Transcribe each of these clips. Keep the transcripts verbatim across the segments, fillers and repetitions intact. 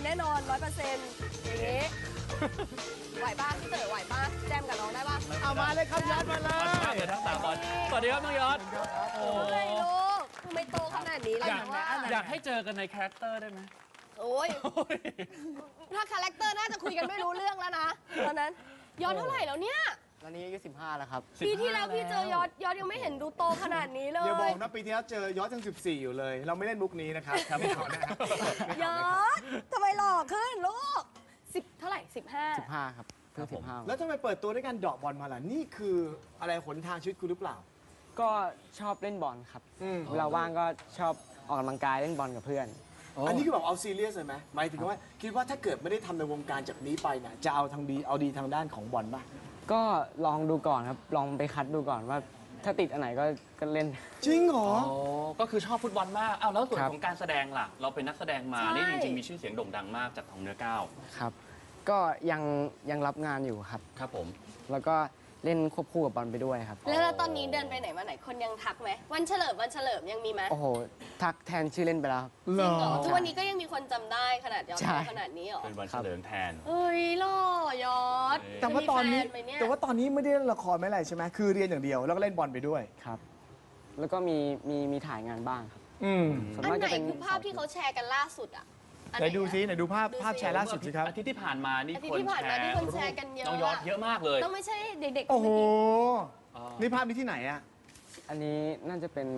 น่นอนร้อยเปอร์เซ็นต์อย่างนี้ไหวป้าพี่เต๋อไหวป้าแจมกับน้องได้ป่ะเอามาเลยครับยอดมาเลยทั้งสามคนสวัสดีครับน้องยอดโอ้ทำไมลูกทำไมโตขนาดนี้เลยว่าอยากให้เจอกันในคาแรคเตอร์ได้ไหมโอ้ยถ้าคาแรคเตอร์น่าจะคุยกันไม่รู้เรื่องแล้วนะตอนนั้นยอดเท่าไหร่แล้วเนี่ยตอนนี้อายุสิบห้าแล้วครับปีที่แล้วพี่เจอยอดยอดยังไม่เห็นดูโตขนาดนี้เลยอย่าบอกนะปีที่แล้วเจอยอดยังสิบสี่อยู่เลย เราไม่เล่นมุกนี้นะครับครับไม่ขอนะครับยอดทำไมหล่อขึ้นลูกสิบเท่าไหร่สิบห้าสิบห้าครับเพิ่งสิบห้าแล้วทำไมเปิดตัวด้วยการเดาะบอลมาล่ะนี่คืออะไรหนทางชีวิตคุณหรือเปล่าก็ชอบเล่นบอลครับเวลาว่างก็ชอบออกกำลังกายเล่นบอลกับเพื่อนอันนี้คือแบบเอาซีเรียสเลยไหมหมายถึงว่าคิดว่าถ้าเกิดไม่ได้ทำในวงการจากนี้ไปเนี่ยจะเอาทางดีเอาดีทางด้านของบอลป่ะก็ลองดูก่อนครับลองไปคัดดูก่อนว่าถ้าติดอันไหนก็ก็เล่นจริงเหรออ๋อก็คือชอบฟุตบอลมากอ้าวแล้วส่วนของการแสดงล่ะเราเป็นนักแสดงมานี่จริงๆมีชื่อเสียงโด่งดังมากจากทองเนื้อก้าวครับก็ยังยังรับงานอยู่ครับครับผมแล้วก็เล่นควบคู่กับบอลไปด้วยครับแล้วตอนนี้เดินไปไหนมาไหนคนยังทักไหมวันเฉลิมวันเฉลิมยังมีไหมโอ้โหทักแทนชื่อเล่นไปแล้วจริงเหรอทุกวันนี้ก็ยังมีคนจำได้ขนาดยอดขนาดนี้เหรอเป็นวันเฉลิมแทนเอ้ยหล่อยอดแต่ว่าตอนนี้แต่ว่าตอนนี้ไม่ได้เล่นละครไม่อะไรใช่ไหมคือเรียนอย่างเดียวแล้วก็เล่นบอลไปด้วยครับแล้วก็มีมีมีถ่ายงานบ้างครับอืมอันไหนคือภาพที่เขาแชร์กันล่าสุดอ่ะไหนดูซิไหนดูภาพภาพแชร์ล่าสุดสิครับอาทิตย์ที่ผ่านมานี่คนแชร์คนแชร์กันเยอะน้องยอดเยอะมากเลยต้องไม่ใช่เด็กๆโอ้โหนี่ภาพนี้ที่ไหนอ่ะอันนี้น่าจะเป็น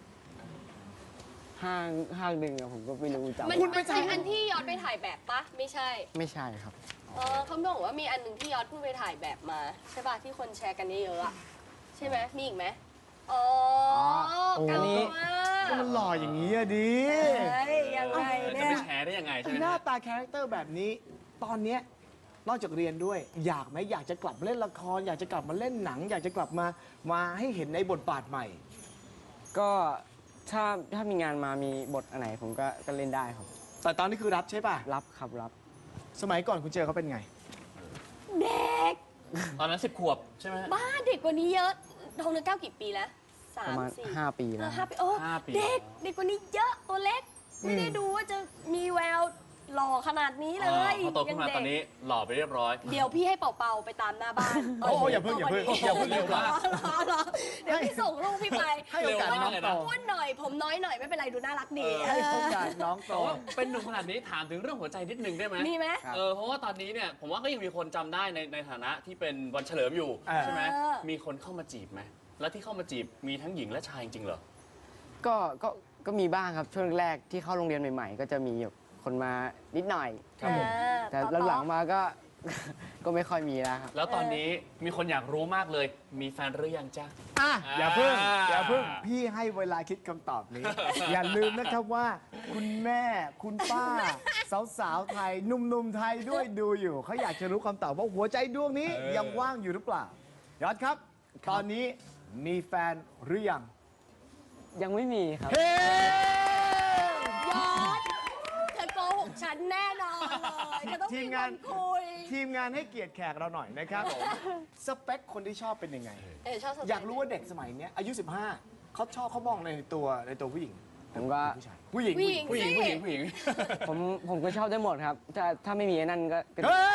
ห้างห้างหนึ่งอะผมก็ไม่รู้จำมันไม่ใช่อันที่ยอดไปถ่ายแบบปะไม่ใช่ไม่ใช่ครับเออเขาบอกว่ามีอันหนึ่งที่ยอดเพิ่งไปถ่ายแบบมาใช่ป่ะที่คนแชร์กันเยอะๆอะใช่ไหมมีอีกไหมอ๋ออันนี้ก็มันหล่ออย่างนี้อะดิยังไงเนี่ยจะไปแชร์ได้ยังไงใช่ไหมหน้าตาคาแรคเตอร์แบบนี้ตอนเนี้ยนอกจากเรียนด้วยอยากไหมอยากจะกลับมาเล่นละครอยากจะกลับมาเล่นหนัง อยากจะกลับมามาให้เห็นในบทบาทใหม่ก็ถ้าถ้ามีงานมามีบทอันไหนผมก็ก็เล่นได้ครับแต่ตอนนี้คือรับใช่ป่ะรับครับรับสมัยก่อนคุณเจอเขาเป็นไงเด็กตอนนั้นสิบขวบใช่ไหมบ้าเด็กกว่านี้เยอะทองเนื้อเก้ากี่ปีแล้วสามสี่ห้าปีแล้วห้าปีโอ้เด็กเด็กกว่านี้เยอะตัวเล็กไม่ได้ดูว่าจะมีแววหล่อขนาดนี้เลยพอโตขึ้นมาตอนนี้หล่อไปเรียบร้อยเดี๋ยวพี่ให้เป่าๆไปตามหน้าบ้านโอ้อย่าเพิ่งอย่าเพิ่งอย่าเพิ่งเร็วมากเดี๋ยวพี่ส่งลูกพี่ไปให้โอกาสน้องโตอ้วนหน่อยผมน้อยหน่อยไม่เป็นไรดูน่ารักดีให้โอกาสน้องโตเป็นหนุ่มขนาดนี้ถามถึงเรื่องหัวใจนิดนึงได้ไหมมีไหมเออเพราะว่าตอนนี้เนี่ยผมว่าก็ยังมีคนจำได้ในในฐานะที่เป็นวันเฉลิมอยู่ใช่ไหมมีคนเข้ามาจีบไหมแล้วที่เข้ามาจีบมีทั้งหญิงและชายจริงเหรอก็ก็ก็มีบ้างครับช่วงแรกที่เข้าโรงเรียนใหม่ๆก็จะมีคนมานิดหน่อยครับผมแต่หลังๆมาก็ก็ไม่ค่อยมีแล้วครับแล้วตอนนี้มีคนอยากรู้มากเลยมีแฟนหรือยังจ้าอ่ะอย่าเพิ่งอย่าเพิ่งพี่ให้เวลาคิดคำตอบนี้ อย่าลืมนะครับว่าคุณแม่คุณป้าสาวๆไทยหนุ่มๆไทยด้วยดูอยู่เขาอยากจะรู้คำตอบว่าหัวใจดวงนี้ยังว่างอยู่หรือเปล่ายอดครับตอนนี้มีแฟนหรือยังยังไม่มีครับเฮ้ยอดเธอโกหกฉันแน่นอนเลยก็ต้องมีคนคุยทีมงานให้เกียรติแขกเราหน่อยนะครับสเปคคนที่ชอบเป็นยังไงเออชอบอยากรู้ว่าเด็กสมัยนี้อายุสิบห้าเขาชอบเขามองในตัวในตัวผู้หญิงผมก็ผู้หญิงผู้หญิงผู้หญิงผู้หญิงผู้หญิงผมผมก็ชอบได้หมดครับถ้าถ้าไม่มีไอ้นั่นก็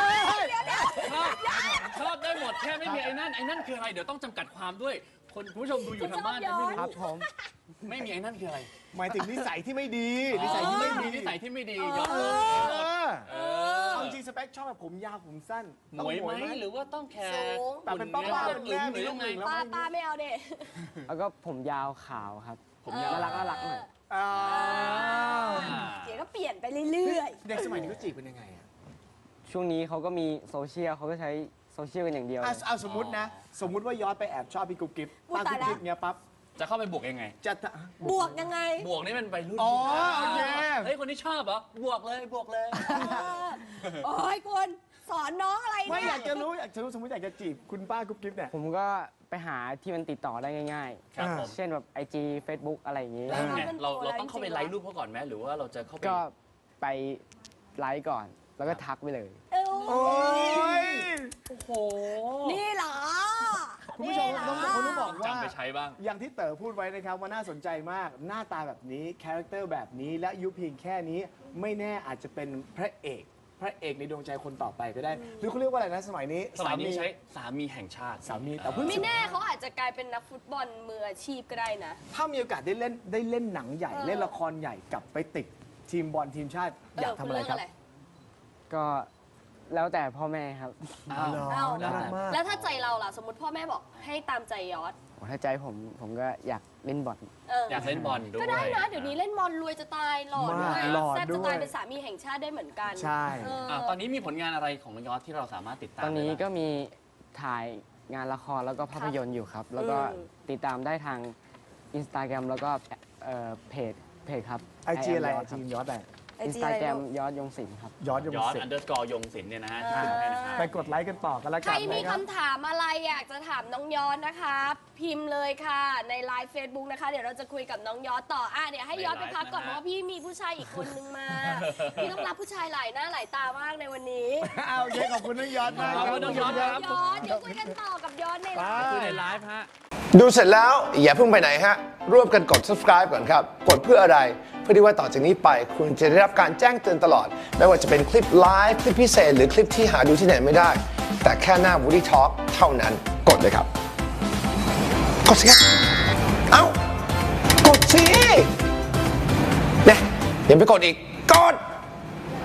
ชอบได้หมดแค่ไม่มีไอ้นั่นไอ้นั่นคืออะไรเดี๋ยวต้องจำกัดความด้วยคนคุณผู้ชมดูอยู่ทางบ้านไม่รู้ครับผมไม่มีไอ้นั่นคืออะไรหมายถึงนิสัยที่ไม่ดีนิสัยที่ไม่ดีนิสัยที่ไม่ดียอดเลยเอาจริงสเปคชอบแบบผมยาวผมสั้นหมวยไหมหรือว่าต้องแคร์แต่เป็นป้าป้าเป็นแม่มีลูกหนึ่งแล้วป้าป้าไม่เอาเด็กแล้วก็ผมยาวขาวครับผมยาวน่ารักน่ารักหน่อยเดี๋ยวก็เปลี่ยนไปเรื่อยๆเด็กสมัยนี้ก็จีบเป็นยังไงอะช่วงนี้เขาก็มีโซเชียลเขาก็ใช้โซเชียลกันอย่างเดียวเอาสมมตินะสมมติว่าย้อนไปแอบชอบพี่กุ๊กกิ๊บป้ากุ๊กกิ๊บเนี้ยปั๊บจะเข้าไปบวกยังไงจะบวกยังไงบวกนี่มันไปรุ่นอ๋อโอเคเฮ้ยคนที่ชอบเหรอบวกเลยบวกเลยโอ้ยคุณสอนน้องอะไรไม่อยากจะรู้อยากจะรู้สมมติอยากจะจีบคุณป้ากุ๊กกิ๊บเนี่ยผมก็ไปหาที่มันติดต่อได้ง่ายๆเช่นแบบ ไอ จี เฟซบุ๊ก อะไรอย่างงี้เราเราต้องเข้าไปไลค์รูปเขาก่อนไหมหรือว่าเราจะเข้าไปก็ไปไลค์ก่อนแล้วก็ทักไปเลยโอ้ยโอ้โหนี่เหรอคุณผู้ชมต้องคนต้องบอกว่าจำไปใช้บ้างอย่างที่เต๋อพูดไว้นะครับว่าน่าสนใจมากหน้าตาแบบนี้คาแรคเตอร์แบบนี้และอายุเพียงแค่นี้ไม่แน่อาจจะเป็นพระเอก พระเอกในดวงใจคนต่อไปก็ได้ หรือเขาเรียกว่าอะไรนะสมัยนี้สมัยนี้ใช้สามีแห่งชาติสามีแต่เพิ่งไม่แน่เขาอาจจะกลายเป็นนักฟุตบอลมืออาชีพก็ได้นะถ้ามีโอกาสได้เล่นได้เล่นหนังใหญ่เออเล่นละครใหญ่กลับไปติดทีมบอลทีมชาติอยากทำอะไรครับก็แล้วแต่พ่อแม่ครับอ้าวเอ้าน่ารักมากแล้วถ้าใจเราล่ะ สมมติพ่อแม่บอกให้ตามใจยอดโอ้ถ้าใจผมผมก็อยากเล่นบอลเอออยากเล่นบอลด้วยก็ได้นะ เดี๋ยวนี้เล่นบอลรวยจะตายหล่อด้วมาย กหล่อแซ่บด้จะวยตายเป็นสามีแห่งชาติได้เหมือนกันใช่เอออ่ะตอนนี้มีผลงานอะไรของน้องยอดที่เราสามารถติดตามตอนนี้ได้บ้างก็มีถ่ายงานละครแล้วก็ภาพยนตร์อยู่ครับ แล้วก็อืมติดตามได้ทาง Instagram แล้วก็เอ่อเพจเพจครับไอจีอะไร I ไอ am จียอดอะไรอินสตาแกรมยอดยงศิลป์ครับยอดยงยอดศิลอันป์เดอร์สกอร์ยงศิลป์เนี่ยนะฮะที่ขึ้นให้นะครับไปกดไลค์กันต่อกันแล้วใคกัรนมีนะครับคำถามอะไรอยากจะถามน้องยอดนะคะ พิมพ์เลยค่ะในไลฟ์ Facebook นะคะ เดี๋ยวเราจะคุยกับน้องยอดต่ออ่ะเดี๋ยวให้ยอดไปพักก่อนในเพไลฟ์นะฮะราะว่าพี่มีผู้ชายอีกคนนึงมา พี่ต้องรับผู้ชายหลายหน้าหลายตามากในวันนี้เอาโอเคขอบคุณน้องยอดมากขอบคุณน้องยอดครับยอดเดี๋ยวคุยกันต่อกับยอดในไลฟ์คือในไลฟ์ฮะดูเสร็จแล้วอย่าเพิ่งไปไหนฮะ ร่วมกันกด subscribe ก่อนครับ กดเพื่ออะไร เพื่อที่ว่าต่อจากนี้ไปคุณจะได้รับการแจ้งเตือนตลอด ไม่ว่าจะเป็นคลิปไลฟ์คลิปพิเศษ หรือคลิปที่หาดูที่ไหนไม่ได้ แต่แค่หน้า Woody Talk เท่านั้น กดเลยครับ กดสิครับ เอ้า กดสิเนี่ยอย่าไปกดอีก กด